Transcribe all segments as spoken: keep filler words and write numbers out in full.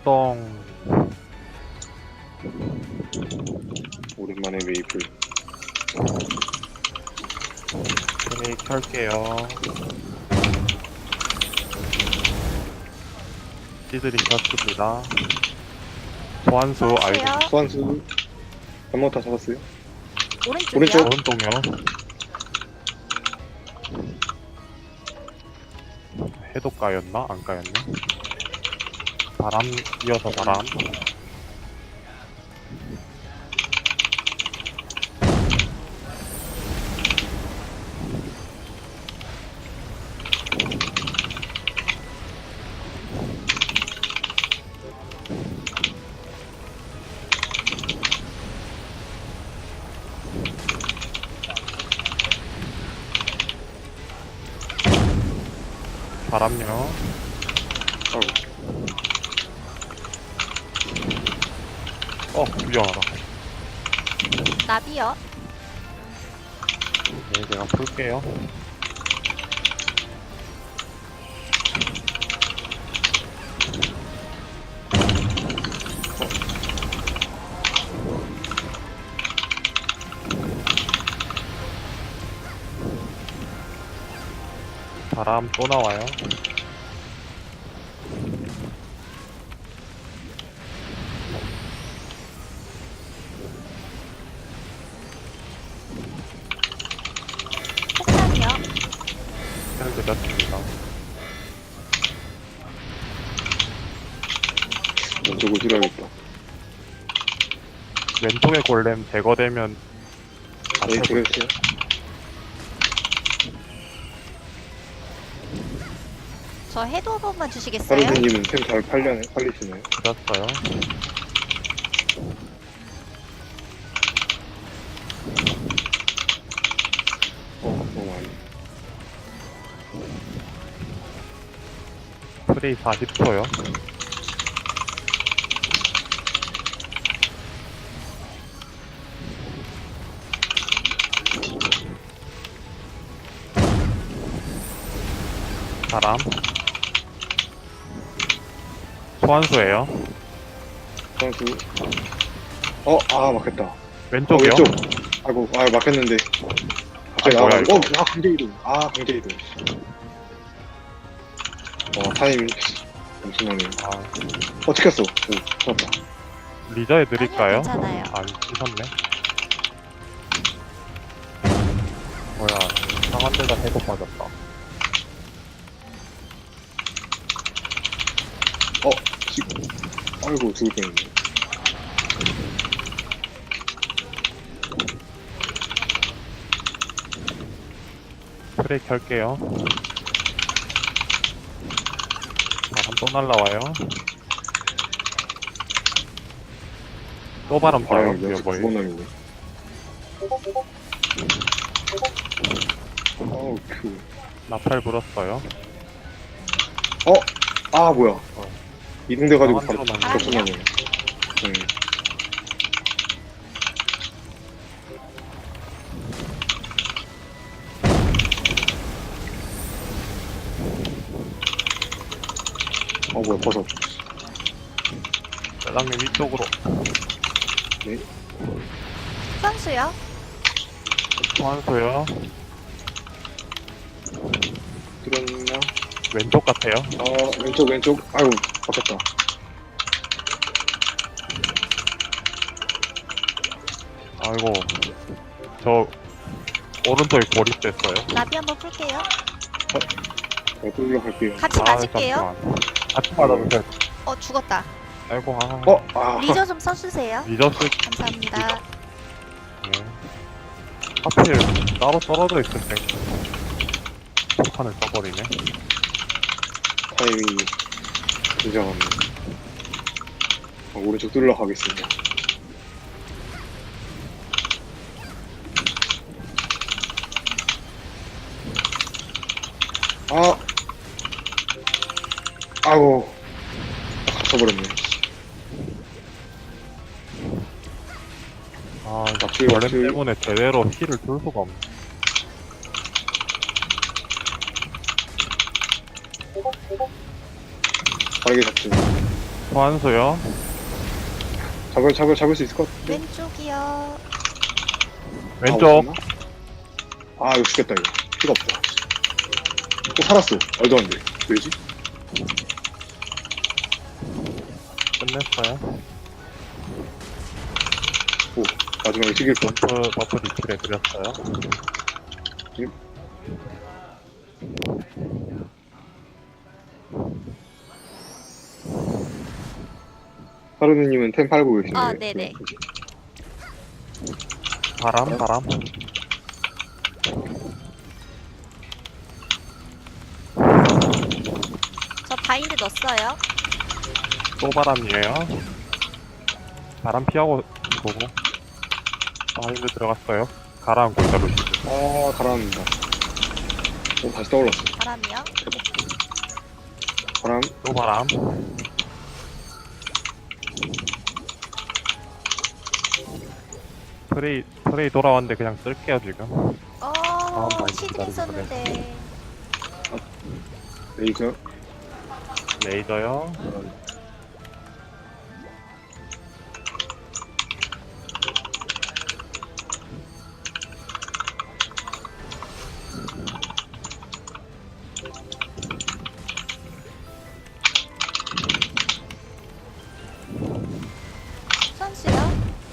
출동. 오랜만에 메이플. 플레이 켤게요. 시들이 켰습니다. 소환수 알고 소환수요. 소환수 한번 다 잡았어요? 오른쪽이요. 오른쪽. 오른쪽요. 해도 까였나? 안 까였네. 바람 이어서 바람. 바람요. 아이고. 어, 위험하다. 나비요. 네, 제가 풀게요. 바람 또 나와요. 폭탄이요. 잘 들렸습니다. 왼쪽을 줄여야겠다. 왼쪽에 골렘 제거되면 네, 그랬어요. 저 해도 한 번만 주시겠어요? 파르세님은 템 잘 팔려네, 팔리시네요. 들었어요. 어, 너무 많이. 프레이 사십 초요. 바람. 소환수예요. 선수. 어, 아, 막혔다. 어, 왼쪽이요. 왼쪽. 아이고, 아, 막혔는데. 갑자기 아, 뭐야, 나와가지고. 이거. 어, 아, 강제이동. 아, 강제이동. 어, 타이밍. 잠시만요. 아, 어, 찍혔어. 오, 잡았다. 리저 해드릴까요? 아니요, 괜찮아요. 아, 찍었네. 뭐야, 이상한 데다 해도 빠졌다. 어, 지금. 아이고, 죽을 뻔했네. 프레이 켤게요. 바람 또 날라와요. 또 바람 아, 펴요. 내가 이거 뭐예요? 두번남이네. 어우, 큐. 나팔 불었어요. 어? 아, 뭐야. 어. 이동돼가지고 바로 나만 들어가네. 겹쳐나네. 응. 어, 뭐야, 버섯. 대장님 위쪽으로. 네. 선수요. 소환수요. 들었나? 왼쪽 같아요. 어, 왼쪽, 왼쪽. 아이고, 바뀌었다. 아이고, 저 오른쪽에 고립됐어요. 나비 한번 풀게요. 어, 뚫려 갈게요. 같이 맞을게요. 잠시만. 같이 맞아주세요. 어, 죽었다. 아이고, 아. 어, 아. 리저 좀 써주세요. 리저스. 감사합니다. 네. 하필 따로 떨어져 있을 때 폭탄을 써버리네. 타이밍이 굉장하네. 어, 오른쪽 뚫러 가겠습니다. 아, 아이고, 갇혀버렸네. 아, 막힐, 벌렘 막힐. 때문에 제대로 힐을 줄 수가 없네. 빠르게 잡지. 소환수요. 잡을, 잡을, 잡을 수 있을 것 같은데? 왼쪽이요. 왼쪽. 아, 없었나? 아, 이거 죽겠다, 이거. 피가 없다. 또 살았어. 말도 안 돼. 왜지? 끝냈어요. 오, 마지막에 튀길 뻔. 버프, 버프 리필 해드렸어요. 하루누님은 템 팔고 계시네요. 아, 네네. 바람, 바람. 저 바인드 넣었어요. 또 바람이에요. 바람 피하고 보고. 바인드 들어갔어요. 가라앉고 있다, 루시. 아, 가라앉는다. 어, 다시 떠올랐어. 바람이요. 바람, 또 바람. 프레이, 프레이 돌아왔는데 그냥 쓸게요, 지금. 어, 바인드 시즌 기다리고 있었는데. 레이저, 레이저요. 선수요.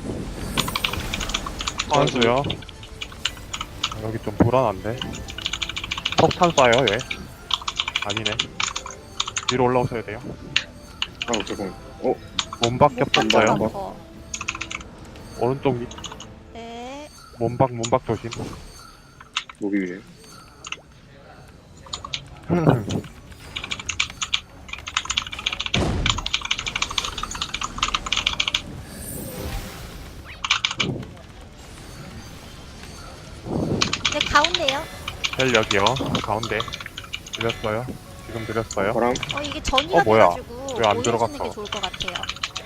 소환수요. 여기 좀 불안한데. 폭탄 쏴요, 얘. 아니네. 위로 올라오셔야 돼요. 아, 잠깐만. 어, 몸박 못 겹쳤어요. 봤다, 거. 오른쪽 밑, 네. 몸박, 몸박 조심. 목이 위에. 네, 가운데요. 헬 여기요. 가운데. 드렸어요. 지금 드렸어요. 바람, 어, 이게 전이가 어, 뭐야? 돼가지고 왜안 올려주는 들어갔어? 게 좋을 것 같아요.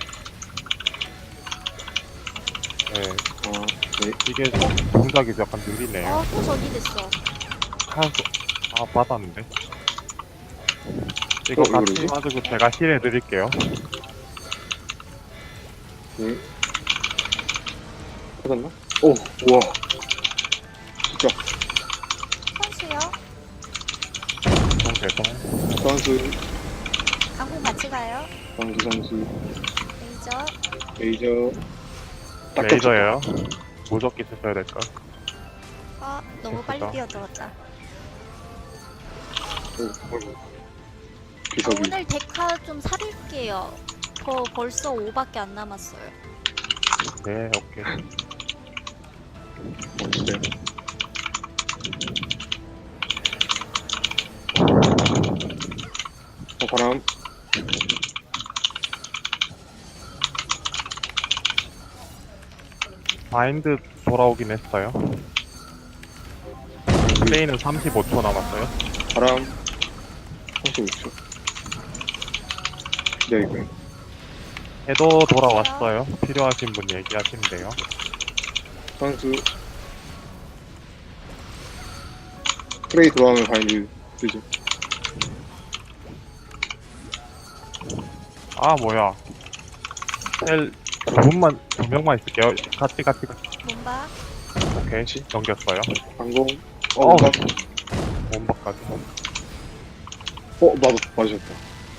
네. 아, 네. 이게 동작이 약간 느리네요. 어, 또 전이 됐어. 한수, 아, 받았는데. 이거 어, 같이 이거 맞으고 제가 힐 해드릴게요. 네. 찾았나? 오, 우와. 진짜, 선수요. 좀 죄송. 선수, 강공 같이 가요. 선수, 선수, 레이저. 레이저. 딱 레이저예요. 무적기 쓰셔야 될걸. 어, 너무 빨리 됐다. 뛰어들었다. 겹쳤다. 오, 어이구. 어, 기석이. 오늘 데카 좀 사릴게요. 저 벌써 오밖에 안 남았어요. 네, 오케이. 어, 진짜요? 어, 바람. 바인드 돌아오긴 했어요. 플레이는 삼십오 초 남았어요. 바람. 삼십오 초. 기다리고요. 해도 돌아왔어요. 필요하신 분 얘기하시면 돼요. 선수. 프레이 돌아오면 바인드 쓰죠. 아, 뭐야. 헬, 두 분만, 두 명만 있을게요. 같이, 같이, 같이. 몸박. 오케이. 넘겼어요. 방공. 어, 어우. 나, 몸박까지. 어, 나도 맞으셨다.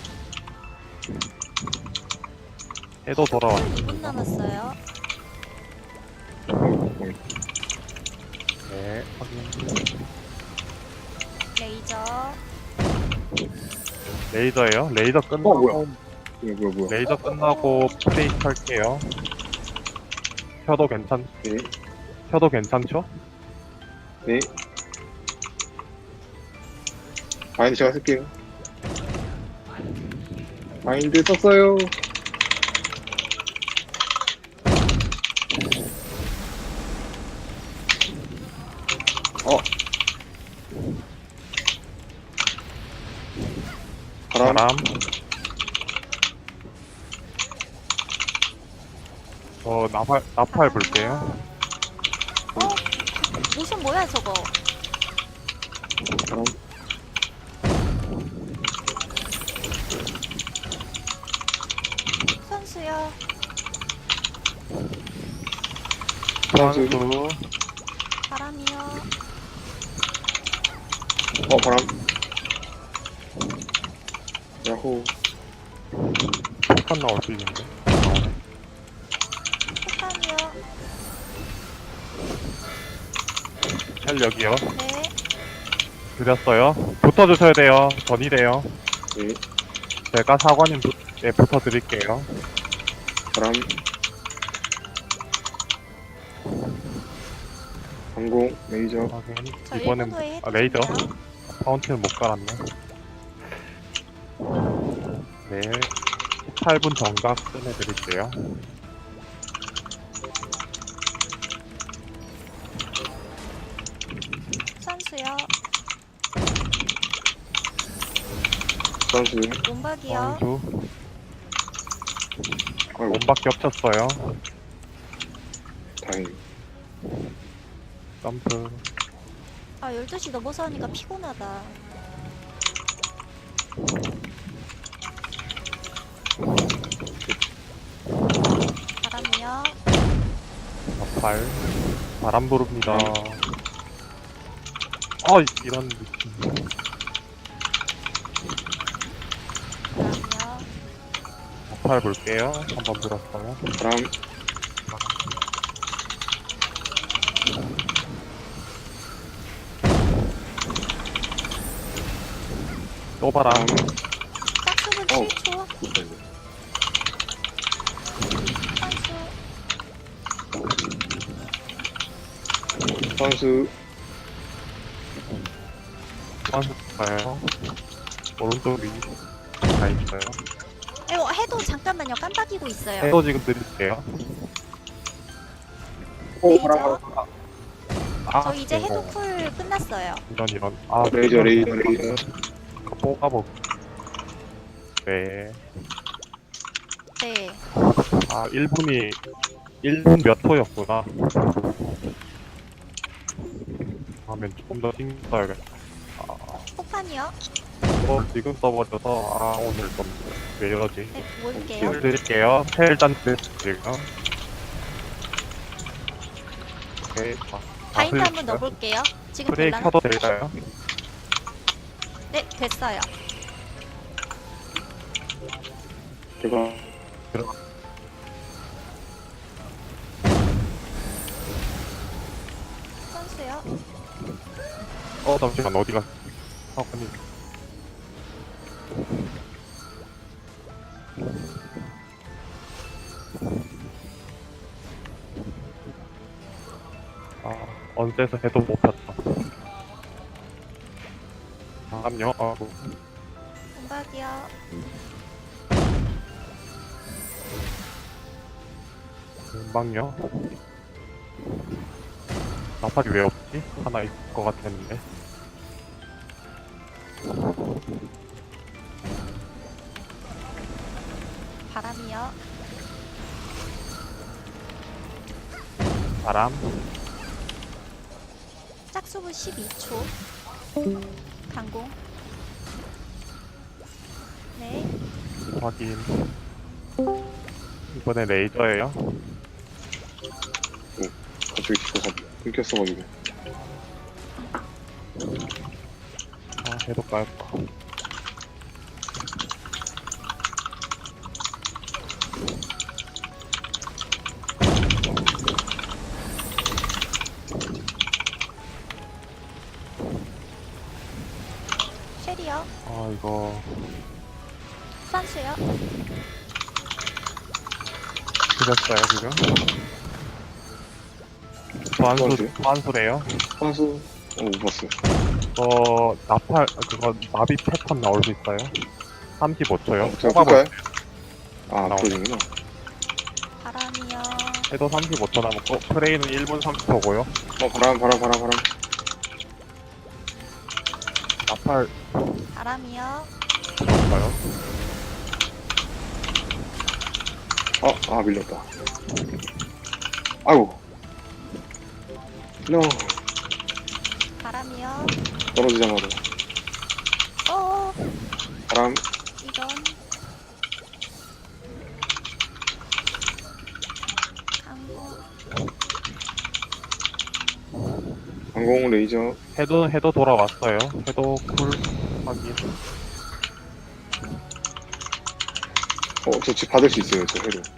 해도 돌아왔어. 이 분 남았어요. 어, 어. 네, 확인. 레이저. 레이저예요. 레이저 끝나고, 어, 뭐야. 뭐야, 뭐야, 뭐야. 레이저 끝나고 플레이 켤게요. 켜도 괜찮, 네, 켜도 괜찮죠? 네. 바인드 제가 쓸게요. 바인드 썼어요. 어. 바람. 바람. 어, 나팔, 나팔 볼게요. 어? 모션 뭐야 저거? 바람. 소환수. 소환수. 바람이요. 어, 바람. 야호. 폭탄 나올 수 있는데. 나오네. 폭탄이요. 헬 여기요. 네. 드렸어요. 붙어주셔야 돼요. 전이래요. 네. 제가 사관님 붙, 예, 붙어드릴게요. 바람. 항공, 레이저. 확인. 저 이번엔 일 분 후에 아, 레이저. 해드릴게요. 파운틴을 못 깔았네. 네. 십팔 분 정각 끝내드릴게요. 선수요. 소환수. 몸박이요. 원수. 아이고, 몸밖에 없었어요. 다행히. 점프. 아 열두 시 넘어서 하니까 피곤하다. 바람이요. 발. 바람 부릅니다. 아, 이런 느낌. 바람이요. 발 볼게요. 한번 불었어요. 바람. 또 바람. 바람. 짝수분 어우. 칠 초. 못했네. 선수. 소환수. 소환수 가요. 오른쪽 위. 다 있어요. 이거 해도 잠깐만요. 깜빡이고 있어요. 해도 지금 드릴게요. 레이저. 아, 저 이제 이거. 해도 쿨 끝났어요. 이런, 이런. 아, 레이저, 레이저, 레이저. 이거 뽑아보. 네. 네. 아, 일 분이, 일 분 몇 호였구나. 하면 좀 더 신경 써야겠다. 아, 폭탄이요. 어, 지금 써버려서, 아, 오늘 좀, 왜 이러지? 네, 모을게요. 힘을 드릴게요. 헬단 드릴게요. 오케이. 아, 바인드 아, 한번 넣어볼게요. 지금 프레이 될라나? 켜도 될까요? 네, 됐어요. 제가 선수요. 어, 잠시만, 어디가? 사관님. 아, 언제서 해도 못 폈다. 잠깐요, 아, 뭐, 공박이요. 금방요. 나팔이 왜 없지? 하나 있을 것 같았는데. 바람이요. 바람. 짝수분 십이 초. 강공. 네. 확인. 이번에 레이저예요. 갑자기 뒤가 끊겼어가지고. 아, 해도 깔까. 쉘이요. 아, 이거. 선수요. 드렸어요, 지금. 소환수, 소환수요? 소환수래요. 소환수. 어, 못 봤어. 어, 나팔, 그거, 나비 패턴 나올 수 있어요. 삼십오 초요. 어, 제가 볼까요? 아, 나오네. 그러는구나. 바람이요. 해도 삼십오 초 남았고, 프레이는 일 분 삼십 초고요. 어, 바람, 바람, 바람, 바람. 나팔, 바람이요. 볼까요? 어, 아, 밀렸다. 아이고. 노. 바람이요. 떨어지자마자. 어 바람. 이런. 강공. 항공 레이저. 해도 해도 돌아왔어요. 해도 쿨 확인. 어, 저 집 받을 수 있어요, 저 해도.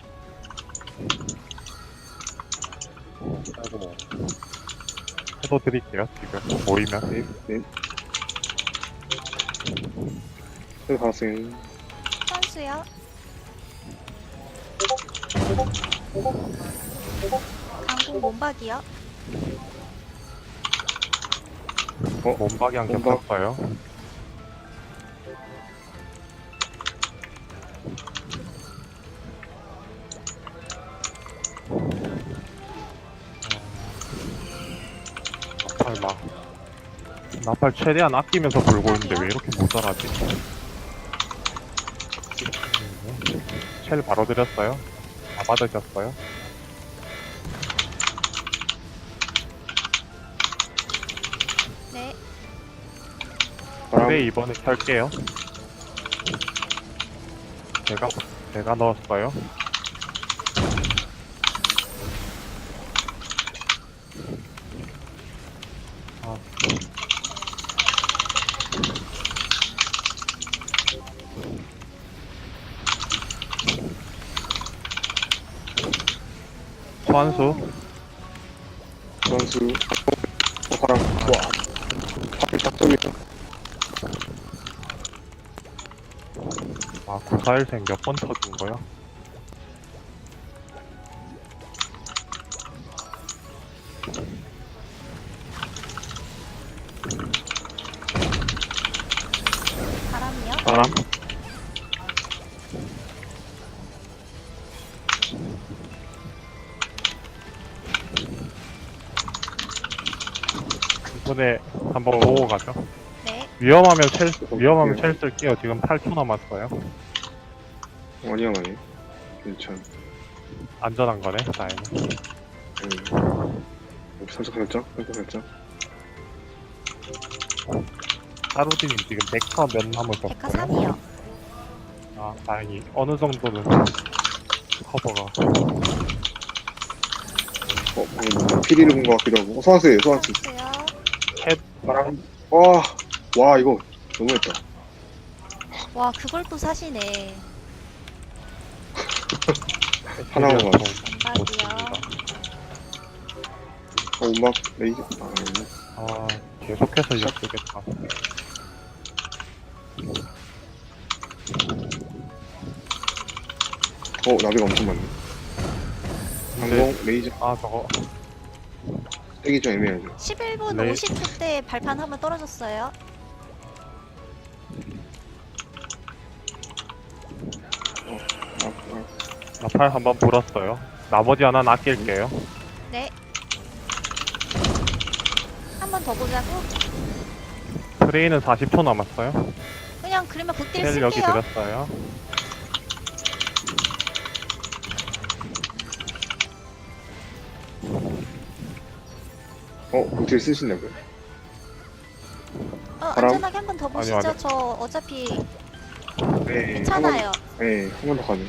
아이고. 해도 드릴게요. 지금 보이면. 네, 네. 해도 받았어요. 선수요. 강공 몸박이요. 어, 몸박이 안 몸박. 겹쳤어요. 나팔 막 나팔 최대한 아끼면서 불고 있는데 왜 이렇게 모자라지? 쉘 바로 드렸어요. 다 받으셨어요. 네. 바람. 그래 이번에 켤게요. 제가 제가 넣었어요. 아. 소환수 선수. 어, 바람. 와. 하필 딱 저기다. 아 구사일생 몇 번 터진 거야? 바람이요. 바람 이번에 한번 보고 가죠. 네. 위험하면 쉘 위험하면 쉘 쓸게요. 지금 팔 초 남았어요. 아니야, 아니. 괜찮. 안전한 거네. 다행히. 음. 살짝, 살짝, 살짝, 살짝. 하루디님 지금 백화 몇 남으셨어요? 백화 삼이요. 아 다행히 어느 정도는 커버가. 어, 방금 피리를 본 것 같기도 하고. 어, 소환수예요, 소환수. 선수요. 바람. 와, 와, 이거 너무했다. 와 그걸 또 사시네. 하나만 좀 맞아. 몸박이요. 좋습니다. 어, 음악 레이저. 아, 아니네. 아 계속해서 이거 쓰겠다. 어, 나비가 엄청 많네. 근데 항공 레이저. 아 저거 세기 좀 애매하죠. 십일 분 네. 오십 초 때 발판 한번 떨어졌어요. 아, 아, 나팔 한번 불었어요. 나머지 하나는 아낄게요. 네. 한 번 더 보자고. 트레이는 사십 초 남았어요. 그냥 그러면 극딜 쉘 여기 쓸게요. 드렸어요. 어, 극딜 쓰신다고요? 어, 바람? 안전하게 한 번 더 보시죠. 아니요, 아니요. 저 어차피 네. 괜찮아요. 한 번, 네, 한 번 더 가네.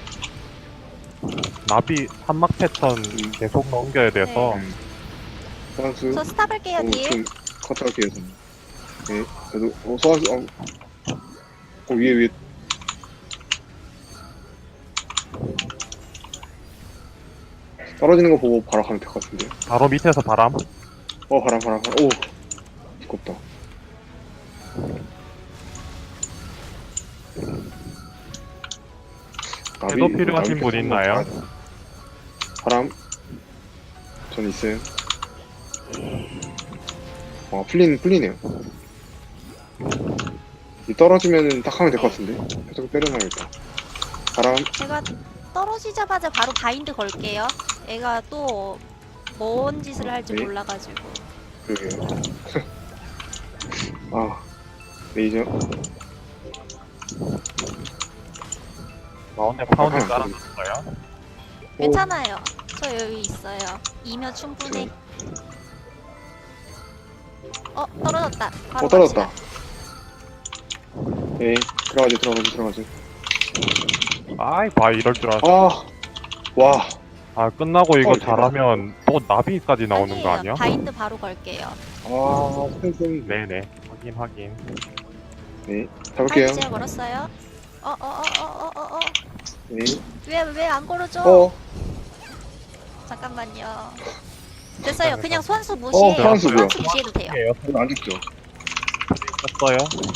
나비 산막 패턴 계속 넘겨야 돼서 음. 소환수. 저 스탑 할게요. 어, 딜. 좀 컷할게요, 저는. 네, 그래도, 어, 소환수, 어, 어, 위에, 위에. 떨어지는 거 보고 바로 가면 될 것 같은데. 바로 밑에서 바람. 어, 바람, 바람, 바람. 오, 두껍다. 나비, 해도 필요하신 나비 분 패스 있나요? 한번 봐야 돼. 바람. 전 있어요. 어, 풀린, 풀리네요. 이 떨어지면 딱 하면 될 것 같은데. 살짝 때려놔야겠다. 바람. 제가 떨어지자마자 바로 바인드 걸게요. 애가 또 뭔 짓을 할지 네. 몰라가지고. 그러게요. 아, 레이저. 가운데 파운드 아, 깔아놨어요. 괜찮아요. 저 여기 있어요. 이면 충분해. 어 떨어졌다. 바로 어, 떨어졌다. 갑시다. 네, 들어가지, 들어가지, 들어가지. 아이 봐 이럴 줄 알았어. 아, 와. 아 끝나고 이거 어, 대박. 잘하면 또 나비까지 나오는 거 아니에요. 아니야? 바인드 바로 걸게요. 아, 스탠스. 네네. 확인, 확인. 네. 잡을게요. 파이브 제가 걸었어요. 어, 어, 어, 어, 어, 어, 어. 네. 왜, 왜 안 걸어줘? 어, 잠깐만요. 됐어요. 그냥 소환수 어, 무시해요. 소환수고요. 소환수 무시해도 돼요. 이에요. 이거 안 죽죠? 떴어요.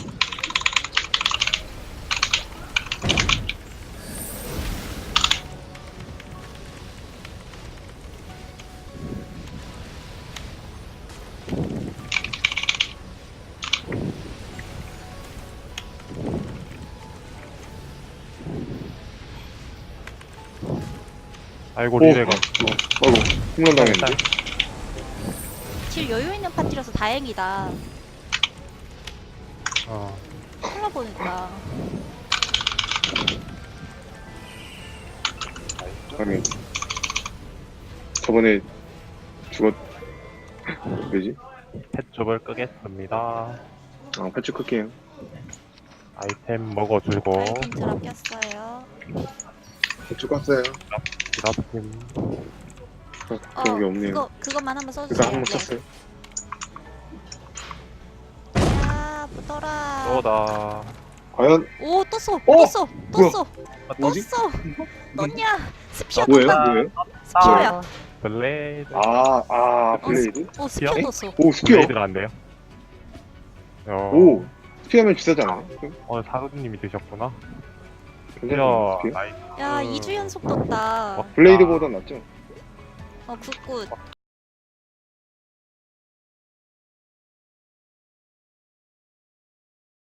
아이고, 오. 리레가. 아이고, 홈런 당했는데. 질 여유 있는 파티라서 다행이다. 어. 콜라 보니까. 아니. 저번에 죽었, 왜지? 펫줍을 끄겠습니다. 아, 패치 클게요. 아이템 먹어주고, 아이템 드랍 꼈어요. 패치 깠어요. 드랍팀. 어, 어, 그런 게 없네요. 그거, 그것만 한번 일단 써주세요. 한번 네. 쳤어요. 야, 붙어라. 쏘다. 과연, 오, 떴어. 어? 떴어. 뭐야? 떴어. 뭐지? 떴어. 떴냐? 스피어 뭐예요? 떴다. 뭐예요? 스피어야. 블레이드. 아, 아, 블레이드? 오, 스피어 스피어? 떴어. 오, 스피어. 블레이드가 안 돼요. 어, 오, 스피어면 비싸지 않아요? 오늘 사수님이 드셨구나. 괜찮아요, 스피어, 스피어? 나이스. 야, 이 주 연속 떴다. 어, 블레이드보다 낫죠? 어, 굿굿.